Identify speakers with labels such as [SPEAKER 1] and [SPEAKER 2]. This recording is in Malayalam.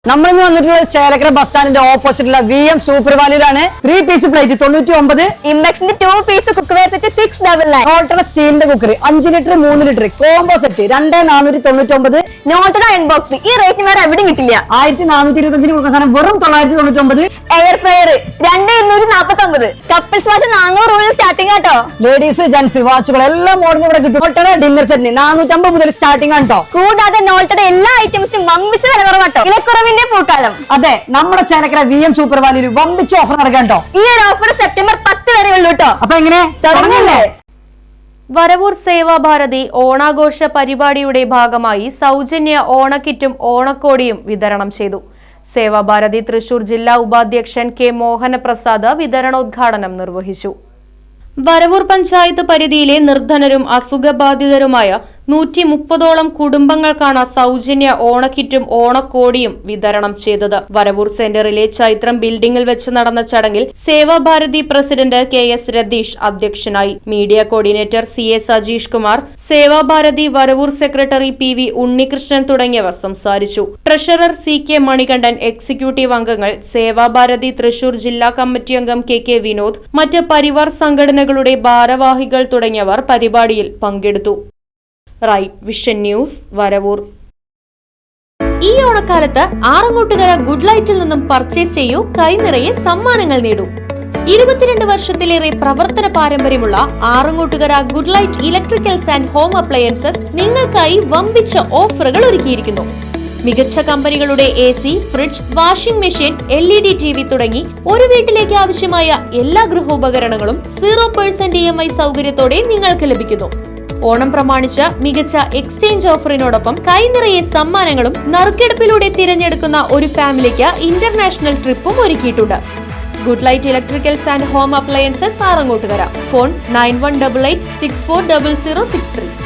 [SPEAKER 1] നമ്മളിന്ന് വന്നിട്ടുള്ള ചേലക്കര ബസ് സ്റ്റാൻഡിന്റെ ഓപ്പോസിറ്റുള്ള VM സൂപ്പർ വാലിയിലാണ് 3 പീസ് പ്ലേറ്റ് 99,
[SPEAKER 2] ഇംബെക്സിന്റെ 2 പീസ് കുക്ക്വെയർ സെറ്റ് 699,
[SPEAKER 1] നോട്ടയുടെ സ്റ്റീലിന്റെ cooker 5 litre 3 litre combo set 2499,
[SPEAKER 2] നോട്ടയുടെ അൺബോക്സ് ഈ റേറ്റിന് വേറെ എവിടെയും കിട്ടില്ല.
[SPEAKER 1] 1425 കൊടുക്കുന്ന സാധനം വെറും 999,
[SPEAKER 2] എയർ ഫ്രയർ 2249, കപ്പിൾസ് വാച്ച് 400 രൂപ സ്റ്റാർട്ടിംഗ് ആട്ടോ.
[SPEAKER 1] ലേഡീസ് ജെന്റ്സ് വാച്ചുകൾ എല്ലാ മോഡലും ഇവിടെ കിട്ടും. നോട്ടയുടെ ഡിന്നർ സെറ്റിന് 450 മുതൽ സ്റ്റാർട്ടിംഗ് ആണ് കേട്ടോ.
[SPEAKER 2] കൂടാതെ നോട്ടയുടെ എല്ലാ ഐറ്റംസിനും വമ്പിച്ച വില കുറവാട്ടോ. വിലക്കുറവിന്റെ പൂക്കാലം.
[SPEAKER 1] അതെ, നമ്മുടെ ചേലക്കര VM സൂപ്പർ വാലിയിൽ വമ്പിച്ച ഓഫർ നടക്കാൻ കേട്ടോ.
[SPEAKER 2] ഈ ഒരു ഓഫർ സെപ്റ്റംബർ 10 വരെ ഉള്ളൂ കേട്ടോ.
[SPEAKER 1] അപ്പൊ എങ്ങനെ തുടങ്ങല്ലേ?
[SPEAKER 3] വരവൂർ സേവാഭാരതി ഓണാഘോഷ പരിപാടിയുടെ ഭാഗമായി സൗജന്യ ഓണക്കിറ്റും ഓണക്കോടിയും വിതരണം ചെയ്തു. സേവാഭാരതി തൃശൂർ ജില്ലാ ഉപാധ്യക്ഷൻ കെ മോഹനപ്രസാദ് വിതരണോദ്ഘാടനം നിർവഹിച്ചു. വരവൂർ പഞ്ചായത്ത് പരിധിയിലെ നിർധനരും അസുഖബാധിതരുമായ 130ഓളം കുടുംബങ്ങൾക്കാണ് സൗജന്യ ഓണക്കിറ്റും ഓണക്കോടിയും വിതരണം ചെയ്തത്. വരവൂർ സെന്ററിലെ ചൈത്രം ബിൽഡിംഗിൽ വെച്ച് നടന്ന ചടങ്ങിൽ സേവാഭാരതി പ്രസിഡന്റ് KS രതീഷ് അധ്യക്ഷനായി. Media coordinator CA Sajeesh Kumar, Sevabharathi Varavoor secretary PV Unnikrishnan തുടങ്ങിയവർ സംസാരിച്ചു. ട്രഷറർ CK മണികണ്ഠൻ, എക്സിക്യൂട്ടീവ് അംഗങ്ങൾ, സേവാഭാരതി തൃശൂർ ജില്ലാ കമ്മിറ്റി അംഗം KK വിനോദ്, മറ്റ് പരിവാർ സംഘടനകളുടെ ഭാരവാഹികൾ തുടങ്ങിയവർ പരിപാടിയിൽ പങ്കെടുത്തു. Right vision news, Varavoor. ഈ ഓണക്കാലത്ത് ആറങ്ങോട്ടുകര ഗുഡ് ലൈറ്റിൽ നിന്നും പർച്ചേസ് ചെയ്യൂ, കൈനിറയെ സമ്മാനങ്ങൾ നേടൂ. 22 വർഷത്തിലേറെ പ്രവർത്തന പാരമ്പര്യമുള്ള Arangottukara good light electricals and home appliances നിങ്ങൾക്കായി വമ്പിച്ച ഓഫറുകൾ ഒരുക്കിയിരിക്കുന്നു. മികച്ച കമ്പനികളുടെ AC, fridge, washing machine, LED TV തുടങ്ങി ഒരു വീട്ടിലേക്ക് ആവശ്യമായ എല്ലാ ഗൃഹോപകരണങ്ങളും 0% EMI സൗകര്യത്തോടെ നിങ്ങൾക്ക് ലഭിക്കുന്നു. ഓണം പ്രമാണിച്ച് മികച്ച എക്സ്ചേഞ്ച് ഓഫറിനോടൊപ്പം കൈനിറയെ സമ്മാനങ്ങളും നറുക്കെടുപ്പിലൂടെ തിരഞ്ഞെടുക്കുന്ന ഒരു ഫാമിലിക്ക് ഇന്റർനാഷണൽ ട്രിപ്പും ഒരുക്കിയിട്ടുണ്ട്. Good light electricals and home appliances Arangottukara. Phone 9188640063.